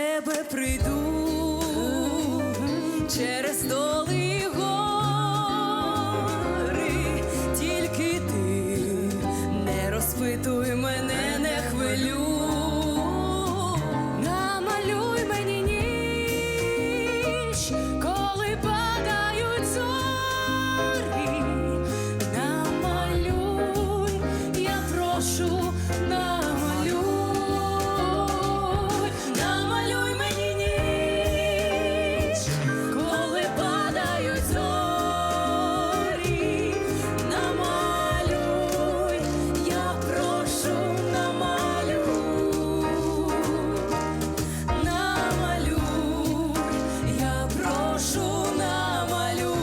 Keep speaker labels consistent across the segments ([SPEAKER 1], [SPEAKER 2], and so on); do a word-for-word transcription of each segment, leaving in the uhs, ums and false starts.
[SPEAKER 1] тебе прийду через доли й гори, тільки ти не розпитуй мене, не хвилюй. Намалюй мені ніч, коли падають зорі. Намалюй, я прошу, намалюй. Намалюй мені ніч, коли падають зорі. Намалюй, я прошу, намалюй. Намалюй, я прошу, намалюй.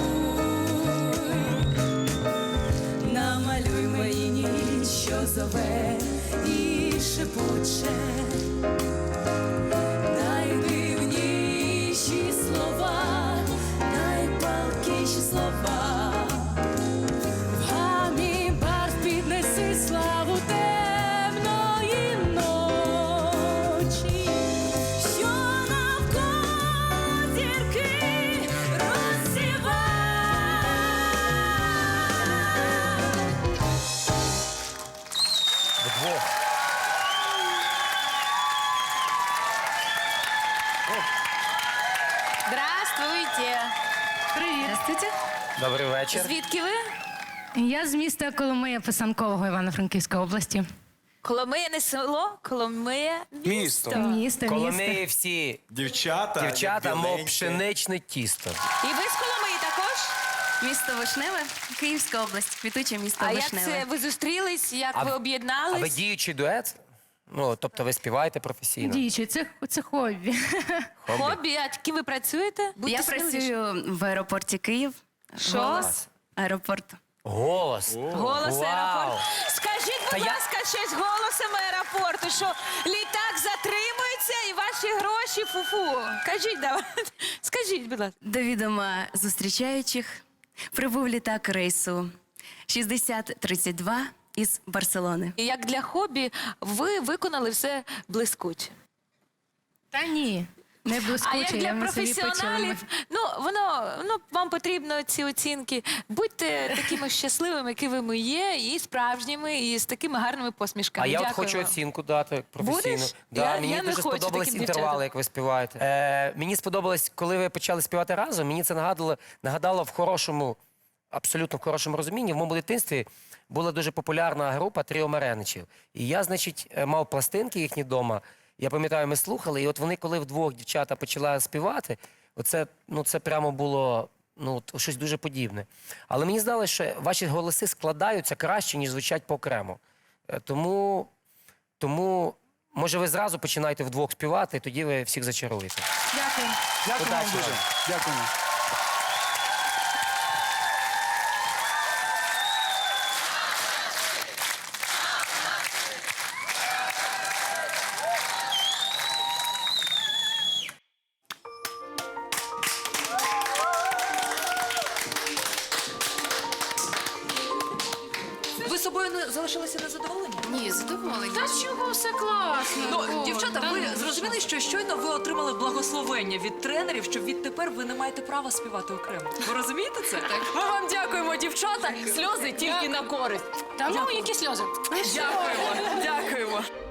[SPEAKER 1] Намалюй мені ніч, що зове і шепоче. Найдивніші слова, найпалкіші слова. В гамі барв піднеси славу темної ночі, що навколо зірки розсівай.
[SPEAKER 2] Вдвох.
[SPEAKER 3] Здравствуйте.
[SPEAKER 4] Привіт. Здравствуйте.
[SPEAKER 2] Добрий вечір.
[SPEAKER 3] Звідки ви?
[SPEAKER 4] Я з міста Коломия Писанкового Івано-Франківської області.
[SPEAKER 3] Коломия не село, Коломия
[SPEAKER 5] Місто.
[SPEAKER 3] місто.
[SPEAKER 4] Місто,
[SPEAKER 2] Коломиї
[SPEAKER 4] місто.
[SPEAKER 2] всі
[SPEAKER 5] Дівчата,
[SPEAKER 2] дівчата, мов
[SPEAKER 5] біленькі.
[SPEAKER 2] пшеничне тісто.
[SPEAKER 3] І ви з Коломиї також?
[SPEAKER 6] Місто Вишневе, Київська область, квітуче місто
[SPEAKER 3] А як
[SPEAKER 6] Вишневе.
[SPEAKER 3] це ви зустрілись, як
[SPEAKER 2] А
[SPEAKER 3] ви
[SPEAKER 2] в-
[SPEAKER 3] об'єднались?
[SPEAKER 2] А ви діючий дует? Ну, тобто ви співаєте професійно?
[SPEAKER 4] Діючий, це, це хобі.
[SPEAKER 2] Хобі?
[SPEAKER 3] Хобі, а ким ви працюєте? Будьте
[SPEAKER 6] Я
[SPEAKER 3] сміливіші.
[SPEAKER 6] працюю в аеропорті Київ.
[SPEAKER 3] Що?
[SPEAKER 6] Голос. Аеропорт.
[SPEAKER 2] Голос.
[SPEAKER 3] Голос
[SPEAKER 2] Вау.
[SPEAKER 3] аеропорту. Скажіть, будь
[SPEAKER 2] Та я-
[SPEAKER 3] ласка, щось голосом аеропорту, що літак затримується і ваші гроші фу-фу. Кажіть, давай. Скажіть, будь ласка.
[SPEAKER 6] До відома зустрічаючих прибув літак рейсу шістдесят тридцять два із Барселони.
[SPEAKER 3] І як для хобі ви виконали все блискуче.
[SPEAKER 4] Та ні, не
[SPEAKER 3] А як
[SPEAKER 4] блискуче,
[SPEAKER 3] для
[SPEAKER 4] я на собі почула.
[SPEAKER 3] професіоналів, ну воно ну вам потрібно ці оцінки. Будьте такими щасливими, якими є, і справжніми, і з такими гарними посмішками.
[SPEAKER 2] А я от
[SPEAKER 3] Дякую
[SPEAKER 2] хочу
[SPEAKER 3] вам.
[SPEAKER 2] оцінку дати професійну.
[SPEAKER 3] Будеш?
[SPEAKER 2] Да,
[SPEAKER 3] Я-
[SPEAKER 2] мені
[SPEAKER 3] я не
[SPEAKER 2] дуже
[SPEAKER 3] хочу
[SPEAKER 2] сподобались
[SPEAKER 3] таким
[SPEAKER 2] інтервали,
[SPEAKER 3] дівчатам.
[SPEAKER 2] як ви співаєте. Е, мені сподобалось, коли ви почали співати разом, мені це нагадало, нагадало в хорошому, абсолютно в хорошому розумінні. В моєму дитинстві була дуже популярна група Тріо Мареничів. І я, значить, е, мав пластинки їхні вдома. Я пам'ятаю, ми слухали, і от вони, коли вдвох дівчата почали співати, оце, ну, це прямо було ну, от щось дуже подібне. Але мені здалося, що ваші голоси складаються краще, ніж звучать по-окремо. Е, Тому, тому, може, ви зразу починаєте вдвох співати, і тоді ви всіх зачаруєте.
[SPEAKER 4] Дякую.
[SPEAKER 5] Дякую вам
[SPEAKER 2] Удачі
[SPEAKER 5] дуже.
[SPEAKER 2] вам.
[SPEAKER 5] Дякуємо.
[SPEAKER 7] Ви собою не залишилися незадоволені?
[SPEAKER 8] Ні, задоволені.
[SPEAKER 4] Та чого все класно?
[SPEAKER 7] Ну,
[SPEAKER 4] Боже,
[SPEAKER 7] дівчата,
[SPEAKER 4] та
[SPEAKER 7] ви
[SPEAKER 4] ну,
[SPEAKER 7] зрозуміли, що щойно ви отримали благословення від тренерів, що відтепер ви не маєте права співати окремо. Ви розумієте це? Ми вам дякуємо, дівчата. Сльози тільки на користь.
[SPEAKER 4] Та ну, які сльози?
[SPEAKER 7] Дякуємо, дякуємо.